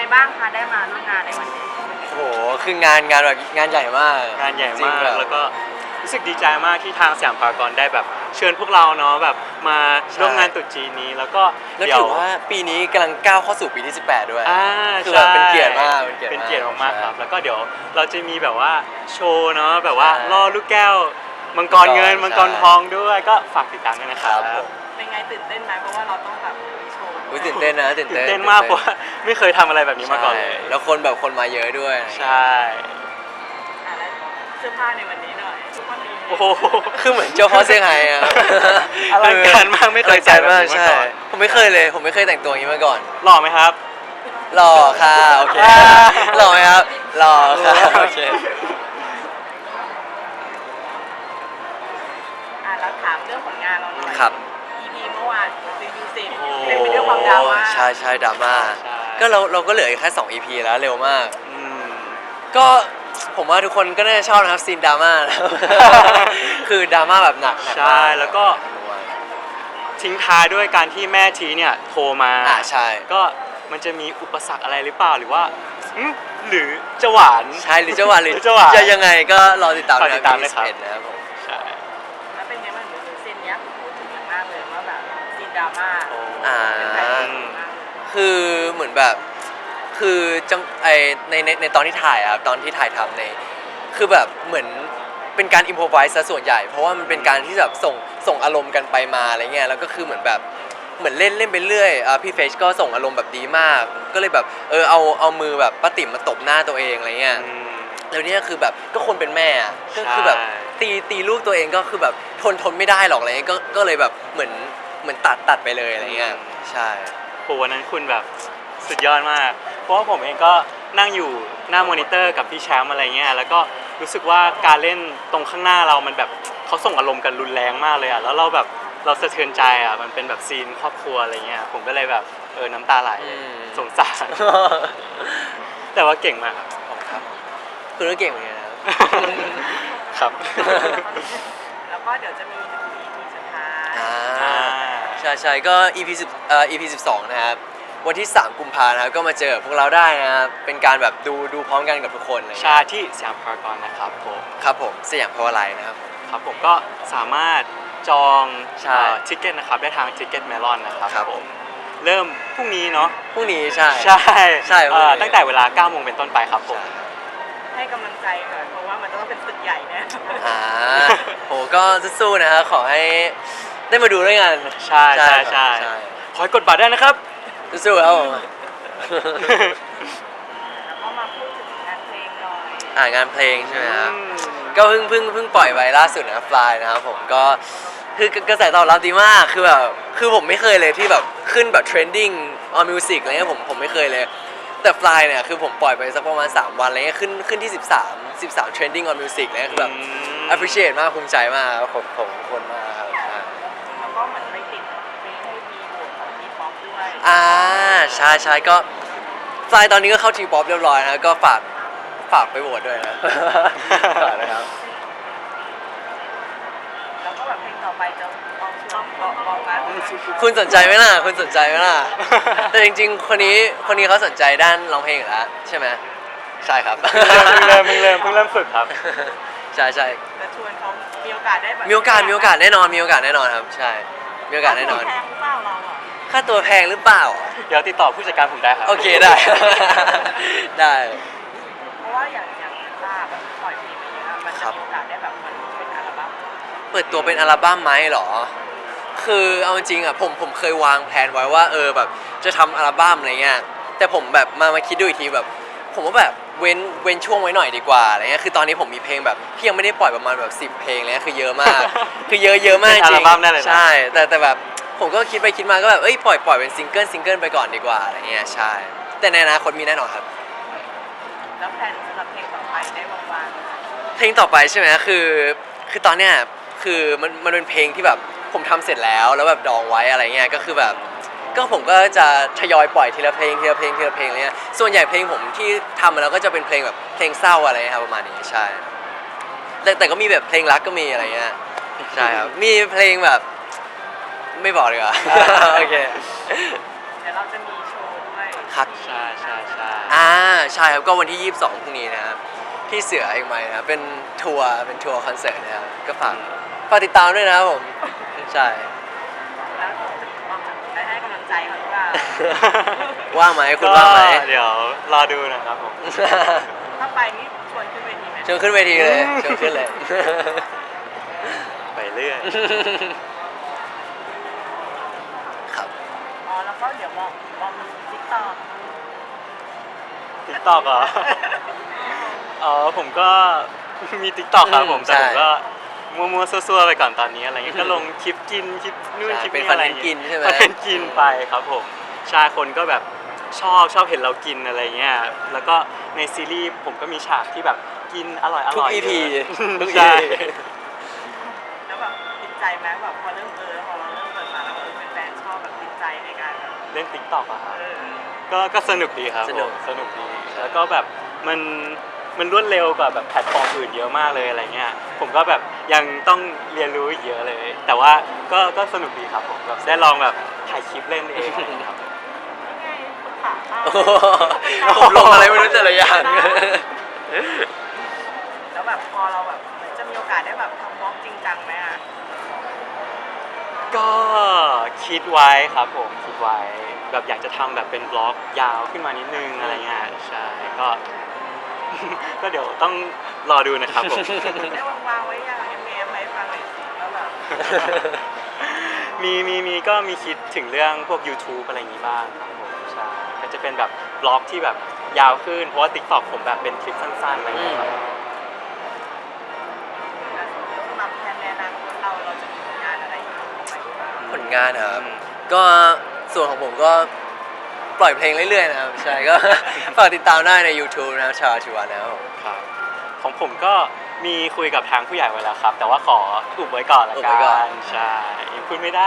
บ้างคะได้มาร่วมงานในวันนี้โอ้โหคืองานแบบงานใหญ่มากงานใหญ่จริงมากแบบแล้วก็รู้สึกดีใจมากที่ทางสยามพารากอนได้แบบเชิญพวกเราเนาะแบบมาร่วมงานตรุษจีนนี้แล้วก็แล้วเดี๋ยถืวอว่าปีนี้กำลังก้าวเข้าสู่ปีที่ 18 ด้วยคือแบใช่บเป็นเกียรติมากเป็นเกียรติมากๆครับใช่แล้วก็เดี๋ยวเราจะมีแบบว่าโชว์เนาะแบบว่าใช่ล่อลูกแก้วมังกรเงินใช่มังกรทองด้วยก็ฝากติดตามด้วยนะครับผมเป็นไงตื่นเต้นไหมเพราะว่าเราต้องแบบโชว์อุ๊ยตื่นเต้นนะตื่นตื่นเต้นเต้นมากเพราะว่าไม่เคยทำอะไรแบบนี้มาก่อนเลยใช่แล้วคนมาเยอะด้วยใช่แล้วเสื้อผ้าในวันนี้หน่อยทุกคนดีโอ้โหคือเหมือนเจ้าพ่อเซี่ยงไฮ้อะอลังการมากไม่เคยใส่แบบนี้มาก่อนผมไม่เคยเลยผมไม่เคยแต่งตัวอย่างนี้มาก่อนหล่อไหมครับหล่อค่ะโอเคหล่อไหมครับหล่อค่ะโอเคเราถามเรื่องผลงานเราหน่อยครับ EP เมื่อวานรีวิวสิเต็มไปด้วยความดราม่าใช่ดราม่าใช่ก็เราก็เหลืออีกแค่2 EP แล้วเร็วมากอืมก็ผมว่าทุกคนก็น่าจะชอบนะครับซีนดราม่านะครับ คือดราม่าแบบหนักใช่แล้วก็ทิ้งท้ายด้วยการที่แม่ทีเนี่ยโทรมาใช่ก็มันจะมีอุปสรรคอะไรหรือเปล่าหรือว่าหรือจะหวานใช่หรือจะหวานหรือจะหวานจะยังไงก็รอติดตามฝากติดตามเลยครับ 21นะครับผมใช่แล้วเป็นไงบ้างซีนเนี้ยพูดถึงอย่างมากเลยว่าแบบซีนดราม่า เป็นใครที่ดีมากเลยคือเหมือนแบบคือจังในตอนที่ถ่ายอะครับตอนที่ถ่ายทำในคือแบบเหมือนเป็นการอิมพอไวส์ซะส่วนใหญ่เพราะว่ามันเป็นการที่แบบส่งอารมณ์กันไปมาอะไรเงี้ยแล้วก็คือเหมือนแบบเหมือนเล่นไปเรื่อยพี่เฟชก็ส่งอารมณ์แบบดีมากก็เลยแบบเอามือแบบป้าติ๋มมาตบหน้าตัวเองอะไรเงี้ย แล้วเนี่ยคือแบบก็คนเป็นแม่อะก็คือแบบตีลูกตัวเองก็คือแบบทนไม่ได้หรอกอะไรเงี้ยก็เลยแบบเหมือนตัดไปเลยอะไรเงี้ยใช่โหวันนั้นคุณแบบสุดยอดมาก เพราะว่าผมเองก็นั่งอยู่หน้ามอนิเตอร์กับพี่แชมป์อะไรเงี้ยแล้วก็รู้สึกว่าการเล่นตรงข้างหน้าเรามันแบบเขาส่งอารมณ์กันรุนแรงมากเลยอ่ะแล้วเราแบบเราสะเทือนใจอ่ะมันเป็นแบบซีนครอบครัวอะไรเงี้ยผมก็เลยแบบน้ำตาไหลสงสาร แต่ว่าเก่งมากครับคุณก็เก่งเหมือนกันนะครับครับแล้วก็เดี๋ยวจะมีถึง EP สุดท้ายใช่ก็ EP 12นะครับวันที่3 กุมภาพันธ์นะครับก็มาเจอพวกเราได้นะครับเป็นการแบบดูพร้อมกันกับทุกคนอะไรชาเงี้ยที่สยามพารากอนนะครับผมครับผมสยามพาวไลน์นะครับผมครับผมก็สามารถจองใช่ทิเก็ตนะครับได้ทางทิเก็ตเมลอนนะครับครับผมเริ่มพรุ่งนี้เนาะพรุ่งนี้ใช่ใช่ใช่พรุ่งนี้ตั้งแต่เวลา 9 โมงเป็นต้นไปครับผมให้กำลังใจหน่อยเพราะว่ามันต้องเป็นศึกใหญ่แน่โหก็สู้ๆนะครับขอให้ได้มาดูด้วยกันใช่คอยกดบัตรได้นะครับสู้ๆครับผมแล้วก็มาพูดถึงงานเพลงหน่อยงานเพลงใช่ไหมครับก็เพิ่งปล่อยไปล่าสุดนะครับฟลายนะครับผมก็คือกระแสตอบรับดีมากคือผมไม่เคยเลยที่แบบขึ้นแบบเทรนดิ้งออนมิวสิกอะไรเงี้ยผมไม่เคยเลยแต่ฟลายเนี่ยคือผมปล่อยไปสักประมาณ3 วันอะไรเงี้ยขึ้นที่13 trending on music เลยคือแบบ appreciate มากภูมิใจมากของทุกคนมากครับแล้วก็เหมือนไปติดเพลงให้มีโหวตของทีป๊อปด้วยใช่ก็ฟลายตอนนี้ก็เข้าทีป๊อปเรียบร้อยนะก็ฝากไปโหวตด้วยนะ ฝากนะครับแล้วก็แบบเพลงต่อไปจะลองมาคุณสนใจไหมล่ะคุณสนใจไหมล่ะ แต่จริงๆคนนี้เขาสนใจด้านร้องเพลงอยู่แล้วใช่ไหมใช่ครับเพิ่งเริ่มฝึกครับใช่จะชวนเขามีโอกาสได้แบบมีโอกาสแน่นอนครับใช่มีโอกาสแน่นอนแพงหรือเปล่าเราอ่ะค่าตัวแพงหรือเปล่าเดี๋ยวติดต่อผู้จัดการผมได้ครับโอเคได้ ได้เพราะว่าอย่างล่าแบบปล่อยเพลงมาเยอะมันจะมีโอกาสได้แบบมันเป็นอัลบั้มเปิดตัวเป็นอัลบั้มไหมเหรอคือเอาจริงอ่ะผมเคยวางแผนไว้ว่าแบบจะทำอัลบั้มอะไรเงี้ยแต่ผมแบบมาคิดดูอีกทีแบบผมว่าแบบเว้นช่วงไว้หน่อยดีกว่าอะไรเงี้ยคือตอนนี้ผมมีเพลงแบบที่ยังไม่ได้ปล่อยประมาณแบบ10 เพลงเลยคือเยอะมาก คือเยอะมากจริงเป็นอัลบั้มได้เลยนะใช่แต่แบบผมก็คิดไปคิดมาก็แบบปล่อยเป็นซิงเกิลไปก่อนดีกว่าอะไรเงี้ยใช่แต่ในอนาคตมีแน่นอนครับแล้วแพลนสำหรับเพลงต่อไปได้วางๆเพลงต่อไปใช่ไหมคือตอนเนี้ยคือมันเป็นเพลงที่แบบผมทำเสร็จแล้วแบบดองไว้อะไรเงี้ยก็คือแบบก็ผมก็จะทยอยปล่อยทีละเพลงอะไรเงี้ยส่วนใหญ่เพลงผมที่ทำมาแล้วก็จะเป็นเพลงแบบเพลงเศร้าอะไรเงี้ยครับประมาณนี้ใช่แต่ก็มีแบบเพลงรักก็มีอะไรเงี้ยใช่ครับมีเพลงแบบไม่บอกเลยอ่ะ โอเคเดี๋ยวเราจะมีโชว์ด้วยครับใช่ใช่ใช่ใช่ครับก็วันที่ 22พรุ่งนี้นะครับที่เสือเอกมัยนะครับเป็นทัวร์คอนเสิร์ตนะครับก็ฝากติดตามด้วยนะครับผมใช่แล้วได้ให้กำลังใจเขาหรือเปล่าว่างไหมคุณว่างไหมก็เดี๋ยวรอดูนะครับผมถ้าไปนี่ชวนขึ้นเวทีไหมเชิญขึ้นเวทีเลยเชิญขึ้นเลยไปเรื่อยครับอ๋อแล้วก็เดี๋ยวมองติ๊กต็อกติ๊กต็อกเหรอ อ๋อผมก็มีติ๊กต็อกครับผมแต่ผมก็มัวๆซั่วๆไปก่อนตอนนี้อะไรเงี้ยก็ลงคลิปกินคลิปนู่นคลิปเป็นนี่คอนอะไรเทนต์กินใช่ไหมคอนเทนต์กินไปครับผมใช่คนก็แบบชอบเห็นเรากินอะไรเงี้ยแล้วก็ในซีรีส์ผมก็มีฉากที่แบบกินอร่อยทุกเย EP อะทุกใช่ EP แล้วแบบติดใจไหมแบบพอเริ่มพอเราเริ่มเปิดมาแล้วเป็นแฟนชอบแบบติดใจในการแบบเล่นติ๊กต็อกอะครับเออก็สนุกดีครับสนุกผมสนุกดีแล้วก็แบบมันรวดเร็วกว่าแบบแพลตฟอร์มอื่นเยอะมากเลยอะไรเงี้ยผมก็แบบยังต้องเรียนรู้อีกเยอะเลย แต่ว่าก็สนุกดีครับผมแบบได้ลองแบบถ่ายคลิปเล่นเองอะไรเงี้ยครับนี่ไงคุณขาข้าวโอ้โหผมลงอะไรไม่รู้แต่ละอย่างแล้วแบบพอเราแบบจะมีโอกาสได้แบบทำบล็อกจริงจังไหมอ่ะก็คิดไว้ครับผมคิดไว้แบบอยากจะทำแบบเป็นบล็อกยาวขึ้นมานิดนึงอะไรเงี้ยใช่ก็ ก็เดี๋ยวต้องรอดูนะครับผมได้วางไว้อย่างเอ็มไว้ฟังหน่อยสิแล้วแบบมีก็มีคิดถึงเรื่องพวก YouTube อะไรอย่างงี้บ้างครับผมใช่ก็จะเป็นแบบบล็อกที่แบบยาวขึ้นเพราะว่า TikTok ผมแบบเป็นคลิปสั้นๆอะไรอย่างเงี้ยครับสำหรับแทนในอนาคตเราจะมีผลงานอะไรอยู่ไหมบ้างผลงานนะครับก็ส่วนของผมก็ปล่อยเพลงเรื่อยๆนะครับใช่ก็ ฝากติดตามได้ใน YouTube นะครับชาวชิวานะครับผมครับของผมก็มีคุยกับทางผู้ใหญ่ไว้แล้วครับ แต่ว่าขออุบไว้ก่อนละอุบกัไว้ก่อนนใช่ยังพูดไม่ได้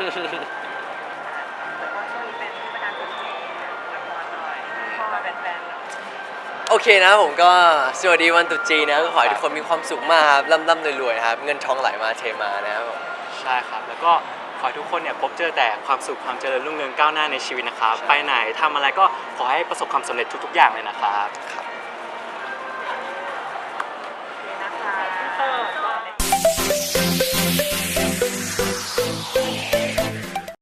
แต่ว่าช่วงนี้เป็นเทศกาลตรุษจีนละครหน่อยพอมาเป็นแฟนๆแล้วโอเคนะครับผมก็สวัสดีวันตรุษจีนนะก็ขอให้ทุกคนมีความสุขมากครับร่ำๆรวยๆนะครับเงินทองไหลมาเทมานะครับผมใช่ครับ แล้วก็ขอให้ทุกคนเนี่ยพบเจอแต่ความสุขความเจริญรุ่งเรืองก้าวหน้าในชีวิตนะครับใช่ไปไหนทำอะไรก็ขอให้ประสบความสำเร็จทุกๆอย่างเลยนะครับครับ